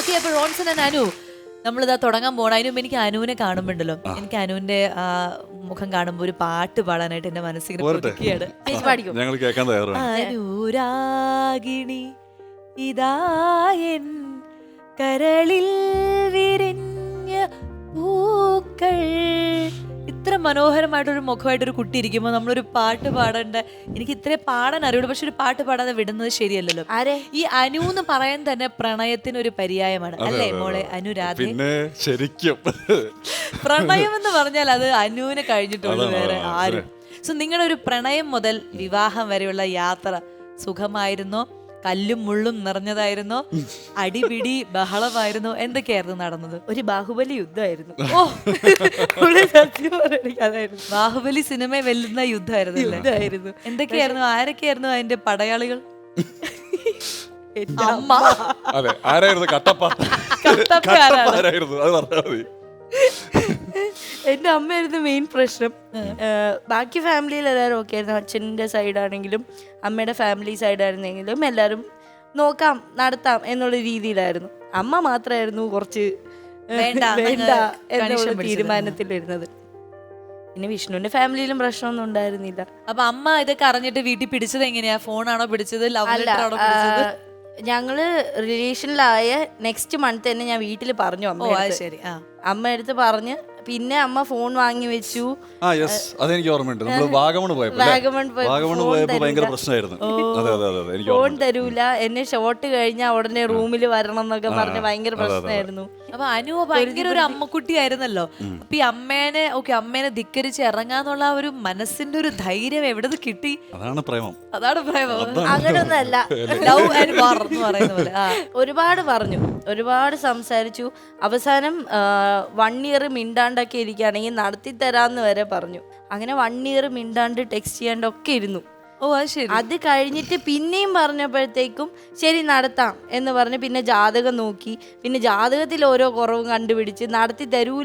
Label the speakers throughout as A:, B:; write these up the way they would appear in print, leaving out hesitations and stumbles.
A: Okay, അപ്പൊ Ronson and Anu നമ്മളിതാ തുടങ്ങാൻ പോകണം. അതിനും എനിക്ക് അനുവിനെ കാണുമ്പോണ്ടല്ലോ, എനിക്ക് അനുവിന്റെ ആ മുഖം കാണുമ്പോ ഒരു പാട്ട് പാടാനായിട്ട് എന്റെ മനസ്സിൽ ഒതുക്കിയാണ്.
B: ഞങ്ങൾ കേൾക്കാൻ തയ്യാറാണ്.
A: അനുരാഗിണി ഇതായൻ കരളിൽ വിരിഞ്ഞ പൂക്കൾ. ഇത്ര മനോഹരമായിട്ടൊരു മുഖമായിട്ടൊരു കുട്ടി ഇരിക്കുമ്പോൾ നമ്മളൊരു പാട്ട് പാടേണ്ട, എനിക്ക് ഇത്രേ പാടാൻ അറിയുള്ളൂ, പക്ഷെ ഒരു പാട്ട് പാടാതെ വിടുന്നത് ശരിയല്ലല്ലോ. ഈ അനു എന്ന് പറയാൻ തന്നെ പ്രണയത്തിന് ഒരു പര്യായമാണ് അല്ലേ മോളെ അനുരാധ?
B: പിന്നെ ശരിക്കും
A: പ്രണയം എന്ന് പറഞ്ഞാൽ അത് അനുവിനെ കഴിഞ്ഞിട്ടുള്ളൂ, വേറെ ആരും. സോ നിങ്ങളുടെ ഒരു പ്രണയം മുതൽ വിവാഹം വരെയുള്ള യാത്ര സുഖമായിരുന്നോ, കല്ലും മുള്ളും നിറഞ്ഞതായിരുന്നോ, അടിപിടി ബഹളമായിരുന്നോ, എന്തൊക്കെയായിരുന്നു നടന്നത്?
C: ഒരു ബാഹുബലി യുദ്ധമായിരുന്നു.
A: ഓ, ബാഹുബലി സിനിമ വെല്ലുന്ന യുദ്ധമായിരുന്നു. എന്തൊക്കെയായിരുന്നു, ആരൊക്കെയായിരുന്നു അതിന്റെ പടയാളികൾ? അമ്മ.
B: അതെ, ആരായിരുന്നു കട്ടപ്പ? ആരായിരുന്നു അത് പറഞ്ഞാൽ മതി.
C: എന്റെ അമ്മയായിരുന്നു മെയിൻ പ്രശ്നം. ബാക്കി ഫാമിലിയിൽ എല്ലാവരും ഓക്കെ ആയിരുന്നു. അച്ഛൻ്റെ സൈഡാണെങ്കിലും അമ്മയുടെ ഫാമിലി സൈഡായിരുന്നെങ്കിലും എല്ലാവരും നോക്കാം നടത്താം എന്നുള്ള രീതിയിലായിരുന്നു. അമ്മ മാത്രമായിരുന്നു കുറച്ച് വേണ്ട എന്നുള്ള തീരുമാനത്തിലിരുന്നത്. പിന്നെ വിഷ്ണുവിന്റെ ഫാമിലിയിലും പ്രശ്നമൊന്നും ഉണ്ടായിരുന്നില്ല.
A: അപ്പൊ അമ്മ ഇതൊക്കെ അറിഞ്ഞിട്ട് വീട്ടിൽ പിടിച്ചത് എങ്ങനെയാ? ഫോണാണോ പിടിച്ചത്, ലവ് ലെറ്റർ ആണോ പിടിച്ചത്?
C: ഞങ്ങള് റിലേഷനിലായ നെക്സ്റ്റ് മന്ത് തന്നെ ഞാൻ വീട്ടിൽ പറഞ്ഞു അമ്മ അടുത്ത് പറഞ്ഞ്, പിന്നെ അമ്മ ഫോൺ വാങ്ങി വെച്ചു.
B: അതെനിക്ക് ഓർമ്മയുണ്ട്. നമ്മൾ വാഗമൺ പോയപ്പോ ഭയങ്കര പ്രശ്നമായിരുന്നു.
C: ഫോൺ തരൂല, എന്നെ ഷോട്ട് കഴിഞ്ഞാൽ ഉടനെ റൂമിൽ വരണം എന്നൊക്കെ പറഞ്ഞ് ഭയങ്കര പ്രശ്നമായിരുന്നു.
A: അപ്പൊ അനു ഭയങ്കര ഒരു അമ്മക്കുട്ടി ആയിരുന്നല്ലോ. അപ്പൊ ഈ അമ്മേനെ ധിക്കരിച്ച് ഇറങ്ങാന്നുള്ള ആ ഒരു മനസ്സിന്റെ ഒരു ധൈര്യം എവിടെ കിട്ടി?
B: അതാണ് പ്രേമം.
C: അങ്ങനൊന്നല്ല,
A: ലവ് ആൻഡ് വാർ എന്ന് പറയുന്ന പോലെ.
C: ഒരുപാട് പറഞ്ഞു, ഒരുപാട് സംസാരിച്ചു. അവസാനം 1 year മിണ്ടാണ്ടൊക്കെ ഇരിക്കുകയാണെങ്കിൽ നടത്തി തരാന്ന് വരെ പറഞ്ഞു. അങ്ങനെ 1 year മിണ്ടാണ്ട് ടെക്സ്റ്റ് ചെയ്യാണ്ടൊക്കെ ഇരുന്നു. അത് കഴിഞ്ഞിട്ട് പിന്നെയും പറഞ്ഞപ്പോഴത്തേക്കും ശരി നടത്താം എന്ന് പറഞ്ഞ് പിന്നെ ജാതകം നോക്കി. പിന്നെ ജാതകത്തിൽ ഓരോ കുറവും കണ്ടുപിടിച്ച് നടത്തി തരൂല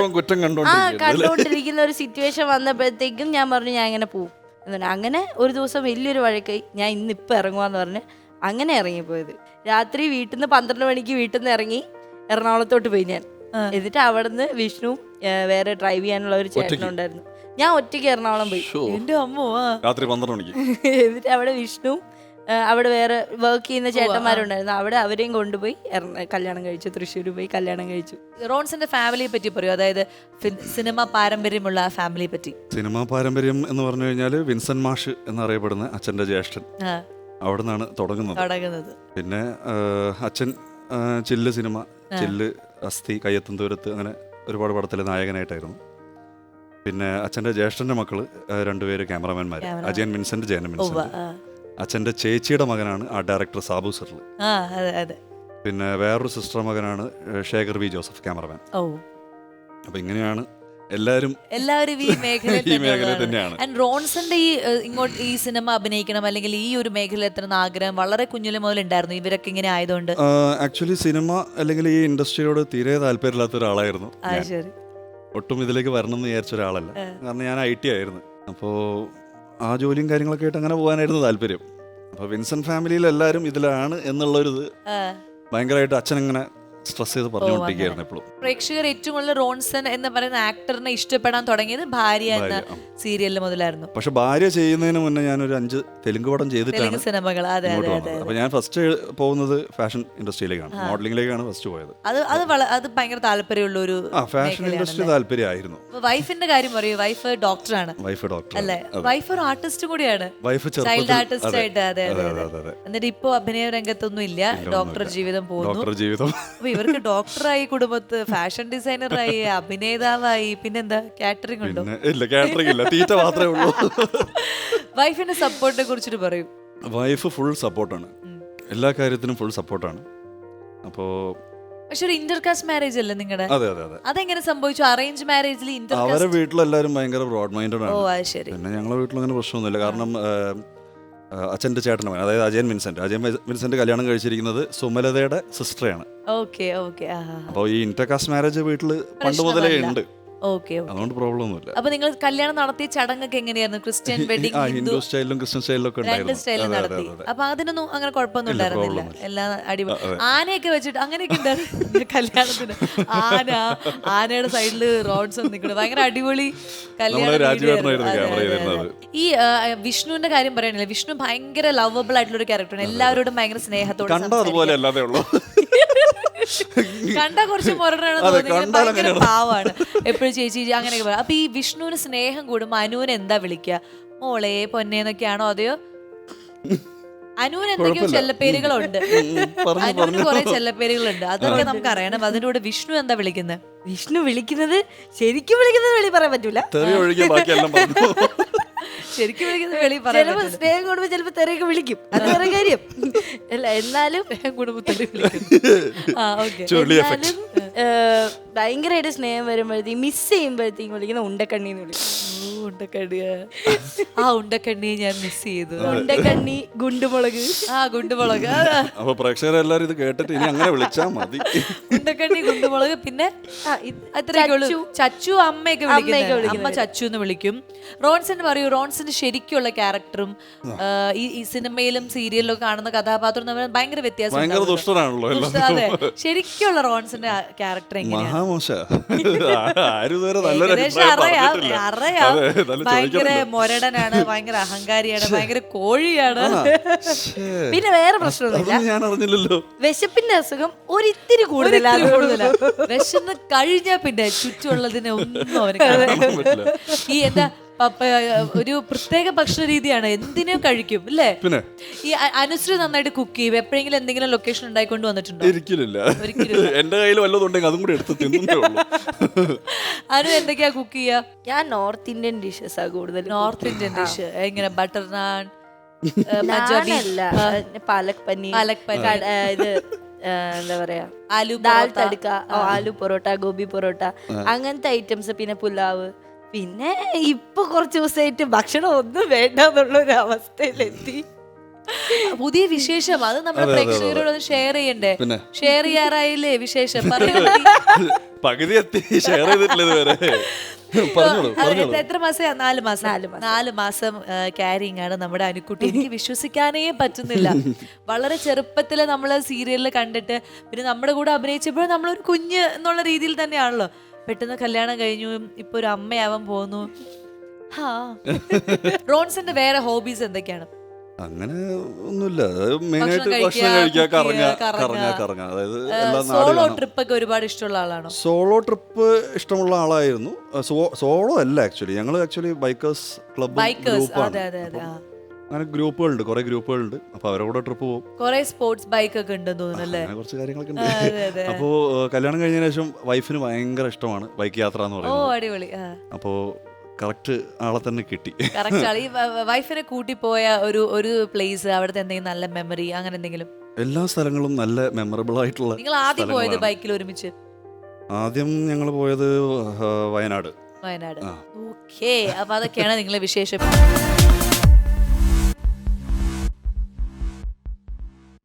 C: കണ്ടുകൊണ്ടിരിക്കുന്ന ഒരു സിറ്റുവേഷൻ വന്നപ്പോഴത്തേക്കും ഞാൻ പറഞ്ഞു ഞാൻ ഇങ്ങനെ പോവും എന്ന്. അങ്ങനെ ഒരു ദിവസം വലിയൊരു വഴക്കായി. ഞാൻ ഇന്നിപ്പോൾ ഇറങ്ങുവാന്ന് പറഞ്ഞ് അങ്ങനെ ഇറങ്ങിപ്പോയത്. രാത്രി വീട്ടിൽ നിന്ന് 12 മണിക്ക് വീട്ടിൽ നിന്ന് ഇറങ്ങി എറണാകുളത്തോട്ട് പോയി ഞാൻ. എന്നിട്ട് അവിടുന്ന് വിഷ്ണു വേറെ ഡ്രൈവ് ചെയ്യാനുള്ള ഒരു ചേട്ടനുണ്ടായിരുന്നു. ഞാൻ ഒറ്റയ്ക്ക് എറണാകുളം പോയി.
A: എന്റെ അമ്മോ,
B: രാത്രി 12 മണിക്ക്.
C: എന്നിട്ട് അവിടെ വിഷ്ണു, അവിടെ വേറെ വർക്ക് ചെയ്യുന്ന ചേട്ടന്മാരുണ്ടായിരുന്നു. അവിടെ അവരെയും കൊണ്ടുപോയി കല്യാണം കഴിച്ചു. തൃശ്ശൂർ പോയി കല്യാണം കഴിച്ചു.
A: റോൺസിന്റെ ഫാമിലിയെ പറ്റി പറയൂ, അതായത് സിനിമ പാരമ്പര്യമുള്ള ഫാമിലിയെ പറ്റി.
B: സിനിമാ പാരമ്പര്യം എന്ന് പറഞ്ഞു കഴിഞ്ഞാൽ വിൻസെന്റ് മാഷ് എന്നറിയപ്പെടുന്ന അച്ഛന്റെ ജ്യേഷ്ഠൻ അവിടെ നിന്നാണ് തുടങ്ങുന്നത്. പിന്നെ അച്ഛൻ ചില്ല് സിനിമ, ചില്ല്, അസ്ഥി, കയ്യെത്തും ദൂരത്ത്, അങ്ങനെ ഒരുപാട് പടത്തിലെ നായകനായിട്ടായിരുന്നു. പിന്നെ അച്ഛൻ്റെ ജ്യേഷ്ഠൻ്റെ മക്കള് 2 പേര് ക്യാമറമാൻമാർ, അജയൻ വിൻസെന്റ്, ജയൻ വിൻസെന്റ്. അച്ഛൻ്റെ ചേച്ചിയുടെ മകനാണ് ആ ഡയറക്ടർ സാബു സർല്. പിന്നെ വേറൊരു സിസ്റ്റർ മകനാണ് ശേഖർ വി ജോസഫ്, ക്യാമറമാൻ. അപ്പൊ ഇങ്ങനെയാണ് എല്ലാവരും ഈ മേഖല തന്നെയാണ്.
A: റോൺസന്റെ ഈ സിനിമ അഭിനയിക്കണം അല്ലെങ്കിൽ ഈ ഒരു മേഖല എത്തുന്ന ആഗ്രഹം വളരെ കുഞ്ഞിലെ മുതൽ ഉണ്ടായിരുന്നു ഇവരൊക്കെ ഇങ്ങനെ ആയതുകൊണ്ട്?
B: ആക്ച്വലി സിനിമ അല്ലെങ്കിൽ ഈ ഇൻഡസ്ട്രിയോട് തീരെ താല്പര്യമില്ലാത്ത ഒരാളായിരുന്നു. ഒട്ടും ഇതിലേക്ക് വരണം എന്ന് വിചാരിച്ച ഒരാളല്ല. കാരണം ഞാൻ IT ആയിരുന്നു. അപ്പോൾ ആ ജോലിയും കാര്യങ്ങളൊക്കെ ആയിട്ട് അങ്ങനെ പോകാനായിരുന്നു താല്പര്യം. അപ്പോൾ വിൻസെന്റ് ഫാമിലിയിൽ എല്ലാവരും ഇതിലാണ് എന്നുള്ളൊരിത് ഭയങ്കരമായിട്ട് അച്ഛനങ്ങനെ സ്ട്രെസ് ചെയ്ത് പറഞ്ഞുകൊണ്ടിരിക്കുകയായിരുന്നു എപ്പോഴും.
A: പ്രേക്ഷകർ ഏറ്റവും കൂടുതൽ റോൺസൺ എന്ന് പറയുന്ന ആക്ടറിനെ ഇഷ്ടപ്പെടാൻ തുടങ്ങിയത് ഭാര്യ എന്ന സീരിയലിൽ മുതലായിരുന്നു.
B: പക്ഷെ ഭാര്യ ചെയ്യുന്നതിന് മുന്നേ ഞാനൊരു 5 തെലുങ്ക് പടം ചെയ്തിട്ടാണ്
A: സിനിമകൾ.
B: അപ്പൊ ഞാൻ ഫസ്റ്റ് പോകുന്നത് ഫാഷൻ ഇൻഡസ്ട്രിയിലേക്കാണ്, മോഡലിംഗിലേക്കാണ് ഫസ്റ്റ് പോയത്.
A: അത് ഭയങ്കര താല്പര്യമുള്ള ഒരു
B: ഫാഷൻ ഇൻഡസ്ട്രി താല്പര്യമായിരുന്നു.
A: വൈഫിന്റെ കാര്യം പറയൂ. വൈഫ് ഡോക്ടറാണ് അല്ലേ? വൈഫ് ഒരു ആർട്ടിസ്റ്റ് കൂടിയാണ്, ചൈൽഡ് ആർട്ടിസ്റ്റ് ആയിട്ട്. അതെ. എന്നിട്ട് ഇപ്പൊ അഭിനയ രംഗത്തൊന്നും ഇല്ല, ഡോക്ടർ ജീവിതം പോകുന്നു. ഇവർക്ക് ഡോക്ടറായി, കുടുംബത്ത് ഫാഷൻ ഡിസൈനറായി, അഭിനേതാവായി, പിന്നെന്താ കാറ്ററിംഗ് ഉണ്ടോ?
B: ഇല്ല, കാറ്ററിംഗ് ഇല്ല, തീറ്റ മാത്രമേ ഉള്ളൂ.
A: വൈഫിന്റെ സപ്പോർട്ടിനെ കുറിച്ചിട്ട് പറയൂ.
B: വൈഫ് ഫുൾ സപ്പോർട്ടാണ്, എല്ലാ കാര്യത്തിനും ഫുൾ സപ്പോർട്ടാണ്. അപ്പോ
A: പക്ഷെ ഒരു ഇന്റർകാസ്റ്റ് മാരേജ് അല്ലേ നിങ്ങളുടെ?
B: അതെ.
A: അതെങ്ങനെ സംഭവിച്ചു? അറേഞ്ച് മാരേജിൽ
B: അവരെ വീട്ടിലെല്ലാരും ഭയങ്കര ബ്രോഡ് മൈൻഡഡ് ആണ്.
A: ശരി.
B: പിന്നെ ഞങ്ങളുടെ വീട്ടിൽ അങ്ങനെ പ്രശ്നമൊന്നുമില്ല. കാരണം അച്ഛൻ്റെ ചേട്ടൻ്റെ മകൻ, അതായത് അജയൻ വിൻസെന്റ് കല്യാണം കഴിച്ചിരിക്കുന്നത് സുമലതയുടെ സിസ്റ്ററാണ്. അപ്പോൾ ഈ ഇന്റർകാസ്റ്റ് മാരേജ് വീട്ടിൽ പണ്ട് മുതലേ ഉണ്ട്.
A: ഓക്കെ.
B: അതുകൊണ്ട് പ്രോബ്ലം ഒന്നുമില്ല.
A: അപ്പൊ നിങ്ങൾ കല്യാണം നടത്തിയ ചടങ്ങൊക്കെ എങ്ങനെയായിരുന്നു? ക്രിസ്ത്യൻ വെഡിങ്,
B: ഹിന്ദു സ്റ്റൈലിലും ക്രിസ്ത്യൻ സ്റ്റൈലിലും ഒക്കെ
A: രണ്ട് സ്റ്റൈലിൽ നടത്തി. അപ്പൊ അതിനൊന്നും അങ്ങനെ കുഴപ്പമൊന്നും ഉണ്ടായിരുന്നില്ല, എല്ലാം അടിപൊളി. ആനയൊക്കെ വെച്ചിട്ട് അങ്ങനെയൊക്കെ ഉണ്ടായിരുന്നു കല്യാണത്തിന്. ആനയുടെ സൈഡില് റോഡ്സ് നിൽക്കുന്നത് ഭയങ്കര അടിപൊളി കല്യാണം. ഈ വിഷ്ണുവിന്റെ കാര്യം പറയണില്ല, വിഷ്ണു ഭയങ്കര ലവബിൾ ആയിട്ടുള്ള ഒരു ക്യാരക്ടറാണ്, എല്ലാവരോടും ഭയങ്കര സ്നേഹത്തോടെ. കണ്ടാ കുറച്ച് മുരടാണെന്ന് തോന്നുന്നു, ഭയങ്കര പാവാണ്, എപ്പോഴും ചേച്ചി അങ്ങനെയൊക്കെ പറയാം. അപ്പൊ ഈ വിഷ്ണുവിന് സ്നേഹം കൂടുമ്പോ അനുവിന് എന്താ വിളിക്കുക? മോളെ പൊന്നേന്നൊക്കെയാണോ? അതെയോ അനുവിന് എന്തൊക്കെയോ ചെല്ലപ്പേരുകളുണ്ട്, അനുവിന് കുറെ ചെല്ലപ്പേരുകളുണ്ട്, അതൊക്കെ നമുക്ക് അറിയണം. അതിന്റെ കൂടെ വിഷ്ണു എന്താ വിളിക്കുന്നത്?
C: വിഷ്ണു വിളിക്കുന്നത് ശരിക്കും വിളിക്കുന്നത് വെളി പറയാൻ പറ്റൂല,
A: ശരിക്കും വിളിക്കുന്നത് വെളി പറയാൻ.
C: സ്നേഹം കൂടുമ്പോ ചിലപ്പോ തെറിയൊക്കെ വിളിക്കും, അത് വേറെ കാര്യം അല്ല. എന്നാലും
A: കുടുംബത്തിൽ
C: ഭയങ്കരമായിട്ട് സ്നേഹം വരുമ്പോഴത്തേക്കും മിസ് ചെയ്യുമ്പോഴത്തേക്കും വിളിക്കുന്ന ഉണ്ടക്കണ്ണിന്ന് വിളിക്കും.
A: ഉണ്ടക്കണ്ണിയ ആ ഉണ്ടക്കണ്ണിയെ ഞാൻ മിസ് ചെയ്തു.
C: ഉണ്ടക്കണ്ണി, ഗുണ്ടുമുളക്.
A: ഗുണ്ടുമുളക്.
B: അപ്പൊ പ്രേക്ഷകരെല്ലാരും ഇത് കേട്ടിട്ട് ഇനി അങ്ങനെ വിളിച്ചാ മതി.
A: ഉണ്ടക്കണ്ണി, ഗുണ്ടുമുളക്, പിന്നെ ചച്ചു. അമ്മയൊക്കെ വിളിക്കും, അമ്മ ചച്ചു എന്ന് വിളിക്കും. റോൺസിന് പറയൂ, റോൺസിന് ശരിക്കുള്ള ക്യാരക്ടറും ഈ സിനിമയിലും സീരിയലിലും കാണുന്ന കഥാപാത്രം തമ്മിൽ ഭയങ്കര വ്യത്യാസം. അതെ, ശരിക്കുള്ള റോൺസിന്റെ ക്യാരക്ടർ എങ്ങനെയാണ്? അറിയാം, ഭയങ്കര മൊരടനാണ്, ഭയങ്കര അഹങ്കാരിയാണ്, ഭയങ്കര കോഴിയാണ്.
C: പിന്നെ വേറെ പ്രശ്നമൊന്നുമില്ല, വിശപ്പിന്റെ അസുഖം ഒരിത്തിരി കൂടുതലാണ്.
A: വിശന്ന് കഴിഞ്ഞാ പിന്നെ ചുറ്റുമുള്ളതിനെ ഒന്നും അവന് കാണാൻ പറ്റില്ല. ഈ എന്താ ഒരു പ്രത്യേക ഭക്ഷണ രീതിയാണ്, എന്തിനും കഴിക്കും അല്ലേ? ഈ അനുശ്രീ നന്നായിട്ട് കുക്ക് ചെയ്യും. എപ്പോഴെങ്കിലും എന്തെങ്കിലും ലൊക്കേഷൻ ഉണ്ടായിക്കൊണ്ട് വന്നിട്ടുണ്ടോ?
B: ഒരിക്കലും. എന്റെ കയ്യിൽ വല്ലതുണ്ടെങ്കിൽ അതും കൂടി എടുത്ത് തിന്നുന്നേ ഉള്ളൂ.
A: അനു എന്തൊക്കെയാ കുക്ക് ചെയ്യാ?
C: ഞാൻ നോർത്ത് ഇന്ത്യൻ ഡിഷസ് ആ കൂടുതൽ.
A: നോർത്ത് ഇന്ത്യൻ ഡിഷ് എങ്ങനെ? ബട്ടർ നാൻ,
C: പാലക് പനീർ, ഇത് എന്താ പറയാ,
A: ആലു
C: ദാൽ തടുക്ക, ആലു പൊറോട്ട, ഗോബി പൊറോട്ട, അങ്ങനത്തെ ഐറ്റംസ്. പിന്നെ പുലാവ്. പിന്നെ ഇപ്പൊ കുറച്ച് ദിവസമായിട്ട് ഭക്ഷണം ഒന്നും വേണ്ട എന്നുള്ള ഒരു അവസ്ഥയിലെത്തി.
A: പുതിയ വിശേഷം അത് നമ്മുടെ പ്രേക്ഷകരോട് ഷെയർ ചെയ്യണ്ടേ? ഷെയർ ചെയ്യാറായില്ലേ വിശേഷം?
B: പകുതി എത്തി, ഷെയർ ചെയ്തിട്ടില്ല ഇതുവരെ.
A: എത്ര മാസം? 4 മാസം ക്യാരിങ് ആണ് നമ്മുടെ അനുക്കുട്ടി. എനിക്ക് വിശ്വസിക്കാനേ പറ്റുന്നില്ല. വളരെ ചെറുപ്പത്തില് നമ്മള് സീരിയലിൽ കണ്ടിട്ട് പിന്നെ നമ്മുടെ കൂടെ അഭിനയിച്ചപ്പോൾ നമ്മളൊരു കുഞ്ഞ് എന്നുള്ള രീതിയിൽ തന്നെയാണല്ലോ. പെട്ടെന്ന് കല്യാണം കഴിഞ്ഞു, ഇപ്പൊ ഒരു അമ്മയാവാൻ പോകുന്നു. റോൺസിന്റെ വേറെ ഹോബീസ് എന്തൊക്കെയാണ്?
B: അങ്ങനെ ഒന്നുമില്ല, മെയിനായിട്ട് ഭക്ഷണം കഴിക്കുക, കറങ്ങുക. അതായത്
A: സോളോ ട്രിപ്പ് ഒക്കെ ഒരുപാട് ഇഷ്ടമുള്ള ആളാണോ?
B: സോളോ ട്രിപ്പ് ഇഷ്ടമുള്ള ആളായിരുന്നു. സോളോ അല്ല, ആക്ച്വലി ബൈക്കേഴ്സ് ക്ലബ് ഗ്രൂപ്പാണ്. അങ്ങനെ ഗ്രൂപ്പുകളുണ്ട്, കുറെ ഗ്രൂപ്പുകളുണ്ട്. അപ്പൊ അവരോട് ട്രിപ്പ് പോകും.
A: കുറെ സ്പോർട്സ് ബൈക്ക് ഒക്കെ ഉണ്ടെന്ന് തോന്നുന്നല്ലേ?
B: കുറച്ച് കാര്യങ്ങളൊക്കെ ഉണ്ട്. അപ്പോ കല്യാണം കഴിഞ്ഞതിന് ശേഷം വൈഫിന് ഭയങ്കര ഇഷ്ടമാണ് ബൈക്ക് യാത്ര എന്ന് പറയുന്നത്.
A: ഓ അടിപൊളി.
B: അപ്പോ കറക്റ്റ് ആളെ തന്നെ കിട്ടി.
A: ഈ വൈഫിനെ കൂട്ടി പോയ ഒരു പ്ലേസ്, അവിടുത്തെ എന്തെങ്കിലും നല്ല മെമ്മറി, അങ്ങനെ എന്തെങ്കിലും?
B: എല്ലാ സ്ഥലങ്ങളും നല്ല മെമ്മറബിൾ ആയിട്ടുള്ള.
A: നിങ്ങൾ ആദ്യം പോയത് ബൈക്കിൽ ഒരുമിച്ച്?
B: ആദ്യം ഞങ്ങൾ പോയത് വയനാട്.
A: ഓക്കെ, അപ്പൊ അതൊക്കെയാണ് നിങ്ങളെ വിശേഷം.